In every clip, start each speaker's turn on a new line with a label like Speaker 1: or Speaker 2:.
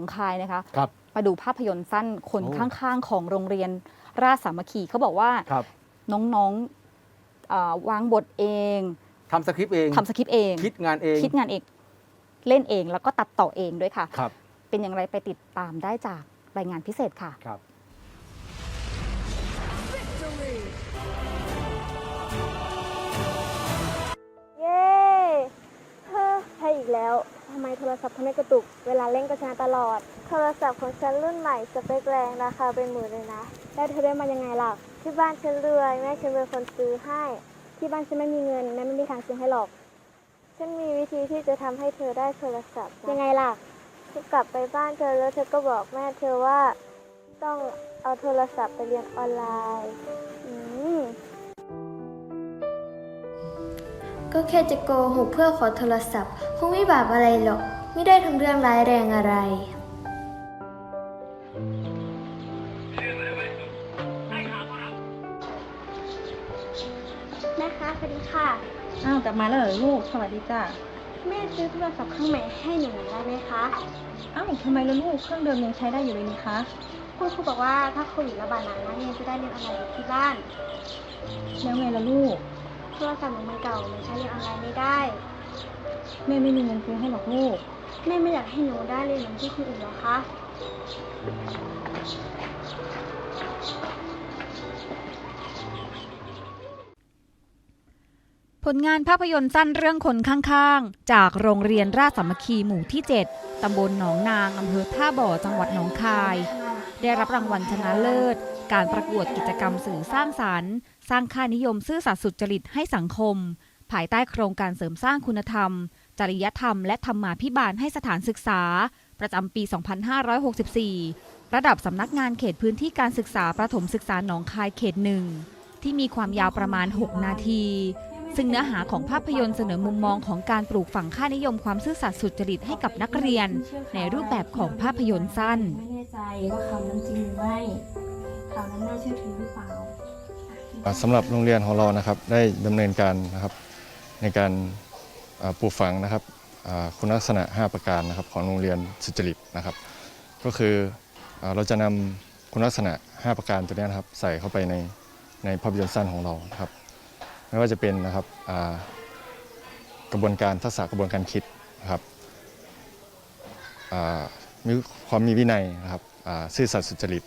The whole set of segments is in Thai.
Speaker 1: องคายนะคะ
Speaker 2: ครับ
Speaker 1: มาดูภาพยนตร์สั้นคนข้างๆของโรงเรียนราชสามัคคีเขาบอกว่าน้องๆวางบทเอง
Speaker 2: ทำสคริปต์เอง คิดงานเอง
Speaker 1: เล่นเองแล้วก็ตัดต่อเองด้วยค่ะ
Speaker 2: ครับ
Speaker 1: เป็นอย่างไรไปติดตามได้จากรายงานพิเศษค่ะ
Speaker 2: ครับ
Speaker 3: เย้ใช่อีกแล้ว ทำไมโทรศัพท์ทำให้กระตุก เวลาเล่นก็ชนะตลอด โทรศัพท์ของฉันรุ่นใหม่สเปคแรงราคาเป็นหมื่นเลยนะ แล้วเธอได้มายังไงล่ะ ที่บ้านฉันรวยแม่ฉันเป็นคนซื้อให้ ที่บ้านฉันไม่มีเงินแม่ไม่มีทางซื้อให้หรอก ฉันมีวิธีที่จะทำให้เธอได้โทรศัพท์ยังไงล่ะเธอกลับไปบ้านเธอแล้วเธอก็บอกแม่เธอว่าต้องเอาโทรศัพท์ไปเรียนออนไลน์
Speaker 4: ก็แค่จะโกหกเพื่อขอโทรศัพท์คงไม่บาปอะไรหรอกไม่ได้ทำเรื่องร้ายแรงอะไร
Speaker 3: แม่คะสวัสดีค่ะ
Speaker 5: อ้าวกลับมาแล้วเหรอลูกสวัสดีจ้า
Speaker 3: แม่ซื้อโทรศัพท์เครื่องใหม่ให้หนูได้ไหมคะ
Speaker 5: อ้าวทำไมล่ะลูกเครื่องเดิมยังใช้ได้อยู่เลยนี่คะ
Speaker 3: คุณครูบอกว่าถ้าโควิดระบาดหนักนักเรียนจะได้เรียนออนไลน์อยู่ที่บ้าน
Speaker 5: แล้วไงล่ะลูก
Speaker 3: โทรศัพท์หนูมันเก่ามันใช้เรียนออนไลน์ไม่ได้
Speaker 5: แม่ไม่มีเงินซื้อให้หรอกลูก
Speaker 3: แม่ไม่อยากให้หนูได้เรียนเหมือนที่คนอื่นหรอคะ
Speaker 1: ผลงานภาพยนตร์สั้นเรื่องคนข้างๆจากโรงเรียนราชสามัคคีหมู่ที่ 7 ตำบลหนองนางอำเภอท่าบ่อจังหวัดหนองคาย ได้รับรางวัลชนะเลิศ การประกวดกิจกรรมสื่อสร้างสรรค์ สร้างค่านิยมซื่อสัตย์สุจริตให้สังคม ภายใต้โครงการเสริมสร้างคุณธรรม จริยธรรมและธรรมาภิบาลให้สถานศึกษา ประจำปี 2564 ระดับสำนักงานเขตพื้นที่การศึกษาประถมศึกษาหนองคายเขต 1 ที่มีความยาวประมาณ 6 นาที ซึ่งเนื้อหาของภาพยนตร์เสนอมุมมองของการปลูกฝังค่านิยมความซื่อสัตย์สุจริตให้กับนักเรียน ในรูปแบบของภาพยนตร์สั้น
Speaker 4: ไม่แน่ใจว่าข่าวนั้นจริงหรือไม่ข่าวนั้นน่าเชื่อถือหรือเปล่า
Speaker 6: สำหรับโรงเรียนของเรานะครับได้ดำเนินการนะครับในการปลูกฝังนะครับคุณลักษณะ 5 ประการนะครับของโรงเรียนสุจริตนะครับก็คือเราจะนำคุณลักษณะ 5 ประการตัวนี้นะครับใส่เข้าไปในภาพยนตร์สั้นของเรานะครับไม่ว่าจะเป็นนะครับกระบวนการทักษะกระบวนการคิดนะครับมีความมีวินัยนะครับซื่อสัตย์สุจริต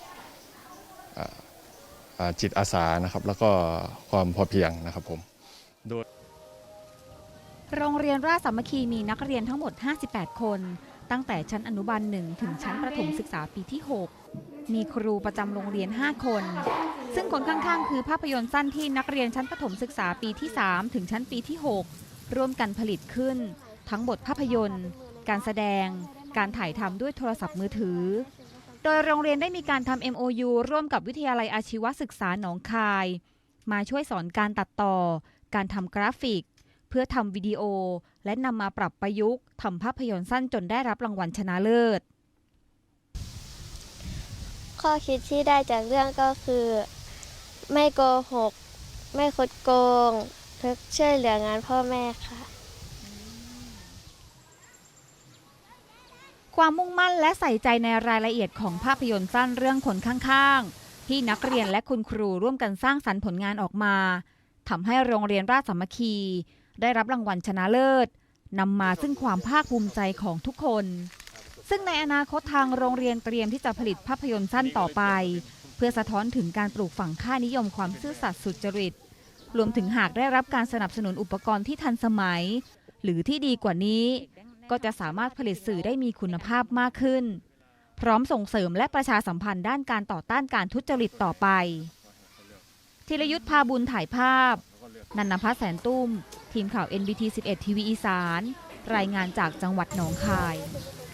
Speaker 6: จิตอาสานะครับแล้วก็ความพอเพียงนะครับผมโดย
Speaker 1: โรงเรียนราชสามัคคีมีนักเรียนทั้งหมด 58 คน ตั้งแต่ชั้นอนุบาล 1 ถึงชั้นประถมศึกษาปีที่ 6 มีครูประจำโรงเรียน 5 คน ซึ่งคนข้างๆ คือภาพยนตร์สั้นที่นักเรียนชั้นประถมศึกษาปีที่ 3 ถึงชั้นปีที่ 6 ร่วมกันผลิตขึ้น ทั้งบทภาพยนตร์ การแสดง การถ่ายทำด้วยโทรศัพท์มือถือ โดยโรงเรียนได้มีการทำ MOU ร่วมกับวิทยาลัยอาชีวศึกษาหนองคาย มาช่วยสอนการตัดต่อ การทำกราฟิก เพื่อทำวิดีโอและนำมาปรับประยุกต์ทำภาพยนตร์สั้นจนได้รับรางวัลชนะเลิศ
Speaker 3: ข้อคิดที่ได้จากเรื่องก็คือ ไม่โกหก ไม่คดโกงเพื่อช่วยเหลืองานพ่อแม่ค่ะ
Speaker 1: ความมุ่งมั่นและใส่ใจในรายละเอียดของภาพยนตร์สั้นเรื่องคนข้างๆที่นักเรียนและคุณครูร่วมกันสร้างสรรค์ผลงานออกมาทำให้โรงเรียนราชสามัคคีได้รับรางวัลชนะเลิศนำมาซึ่งความภาคภูมิใจของทุกคน ซึ่งในอนาคตทางโรงเรียนเตรียมที่จะผลิตภาพยนตร์สั้นต่อไป เพื่อสะท้อนถึงการปลูกฝังค่านิยมความซื่อสัตย์สุจริตรวมถึงหากได้รับการสนับสนุนอุปกรณ์ที่ทันสมัย หรือที่ดีกว่านี้ ก็จะสามารถผลิตสื่อได้มีคุณภาพมากขึ้น พร้อมส่งเสริมและประชาสัมพันธ์ด้านการต่อต้านการทุจริตต่อไปธีรยุทธ พาบุญถ่ายภาพ นันนภัส แสนตุ้ม ทีมข่าว NBT 11 ทีวีอีสาน รายงานจากจังหวัดหนองคาย